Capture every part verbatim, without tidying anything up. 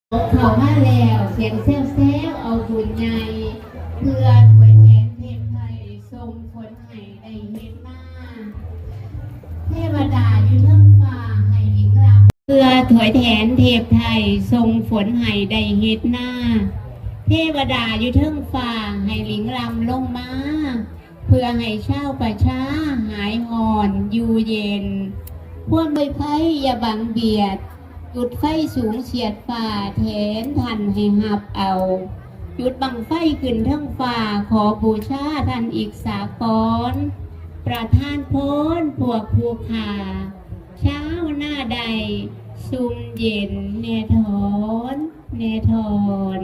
เขามาแล้วเสียงแซวแซวเอาบุญใหญ่เพื่อถวยแทนเทพไทยทรงผลให้ได้เฮ็ดหน้าเทวดาอยู่เทิงฟ้าให้หญิงรำเพื่อถวยแทนเทพไทยทรงฝนให้ได้เฮ็ดหน้าเทวดาอยู่เทิงฟ้าให้หญิงรำลงมาเพื่อให้ชาวประชาหายห่อนอยู่เย็นพวกใบไผ่อย่าบังเบียดจุดไฟสูงเฉียดฟ้าแทนทันให้หับเอาจุดบังไฟขึ้นทั้งฟ้าขอบูชาท่านอีกสากรประทานพรพวกผู้ขาเช้าหน้าใดซุ่มเย็นเนทอนเนทอน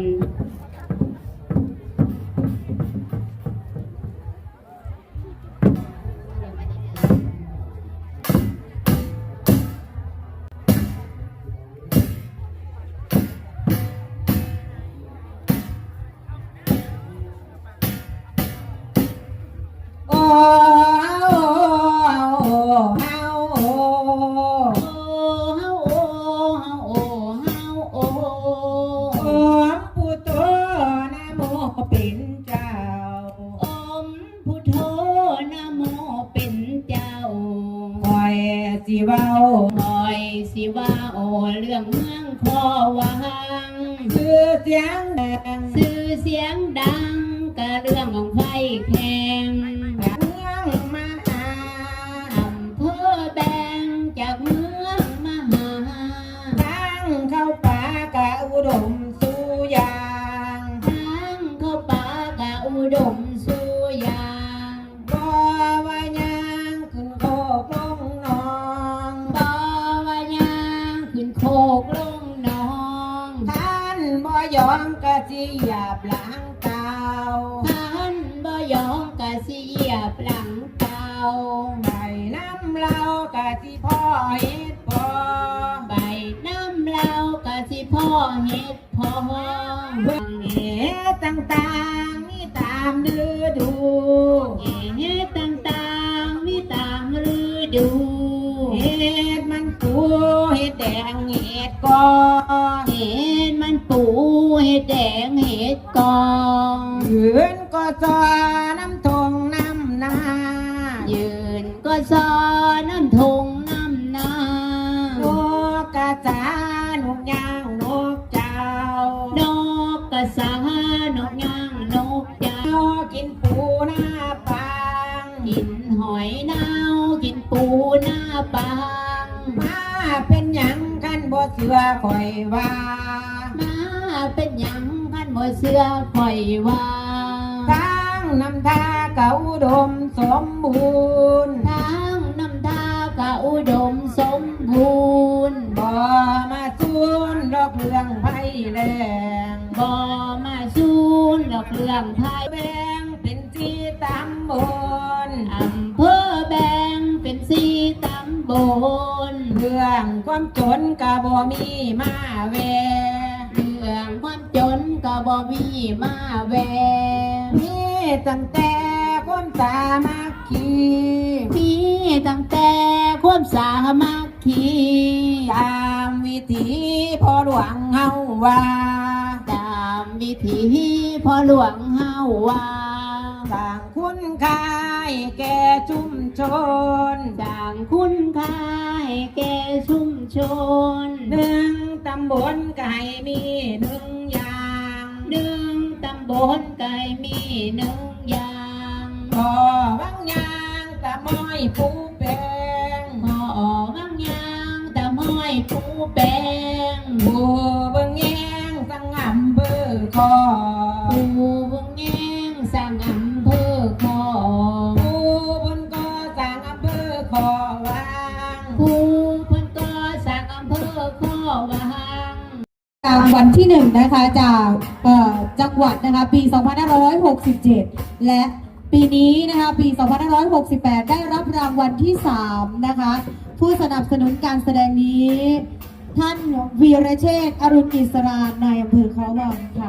สิว่าหอยสิว่าโอเรื่องเมืองคอวังชื่อเสียงดังชื่อเสียงดังกะเรื่องของไฟแข่งเมืองมหาอำเภอแบงจากเมืองมหาทางเข้าป่ากะอุดมสุยางทางเข้าป่ากะอุดมสุยางบ่ว่ายังขึ้นโคกลงนองบ่ว่ายังขึ้นโคกลงนองท่านบ่ยอมกะสิหยาบหลังเก่าท่านบ่ยอมกะสิเหยียบหลังเก่าใบน้ำเรากะสิพ่อเฮ็ดพอใบน้ำเรากะสิพ่อเฮ็ดพอเบิ่งเหตุต่างๆมีตามฤดูเหตุต่างๆมีตามฤดูเหตุมันปูเหตุแดงเหตุกอเหตุมันปูเหตุแดงเหตุกอยืนก็ซอน้ำทงน้ำนายืนก็ซอน้ำทงน้ำนานกกระสานกย่างนกเจ้านกกระสานกย่างนกเจ้ากินปูหน้าปางกินหอยนาวกินปูหน้าปางมาเป็นหยังกันบ่เสือคอยว่ามาเป็นหยังกันบ่เสือคอยว่าทางน้ำทากะอุดมสมบูรณ์ทางน้ำทากะอุดมสมบูรณ์บ่มาสูนดอกเรื่องไผ่แรงบ่มาสูนดอกเรื่องไผ่แบงเป็นที่ตำบลอำเภอแบงเป็นสี่ตำบลเรื่องความจนกะบ่มีมาแวเรื่องความจนกะบ่มีมาแวมีตั้งแต่ความสามัคคีมีตั้งแต่ความสามัคคีตามวิถีพ่อหลวงเฮาว่าตามวิถีพ่อหลวงเฮาว่าสร้างคุณค่าให้แก่ชุมชนสร้างคุณค่าให้แก่ชุมชนหนึ่งตำบลไก่มีหนึ่งอย่างหนึ่งตำบลไก่มีหนึ่งอย่างพ่อวังยางตะม้อยปูแปงพ่อวังยางตะม้อยปูแปงปูเบิ่งแยงสังอำเภอคอปูเบิ่งแยงสังอำเภอคอปูบนก็สังอำเภอคอวังปูบนก็สังอำเภอคอวังรางวัลที่หนึ่งนะคะจากจังหวัดนะคะปี สองพันห้าร้อยหกสิบเจ็ด และปีนี้นะคะปี สองพันห้าร้อยหกสิบแปด ได้รับรางวัลที่สามนะคะผู้สนับสนุนการแสดงนี้ท่านวีรเชษฐ์อรุณอิสรานายอำเภอเขาวังค่ะ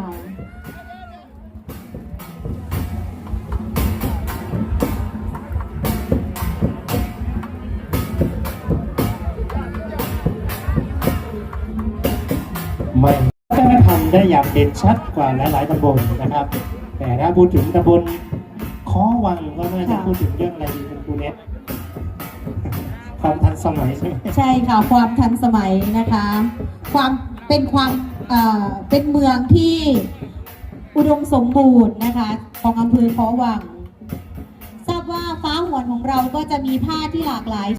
ไม่วัฒนธรรมได้อย่างเด่นชัดกว่าหลายๆตำบลนะครับ แต่ถ้าพูดถึงตำบลค้อวังก็น่าจะพูดถึงเรื่องอะไรดีเป็นครูเน็ตความทันสมัยใช่ไหมใช่ค่ะความทันสมัยนะคะ ความเป็นความเอ่อเป็นเมืองที่อุดมสมบูรณ์นะคะของอำเภอค้อวังทราบว่าฟ้าหวนของเราก็จะมีผ้าที่หลากหลาย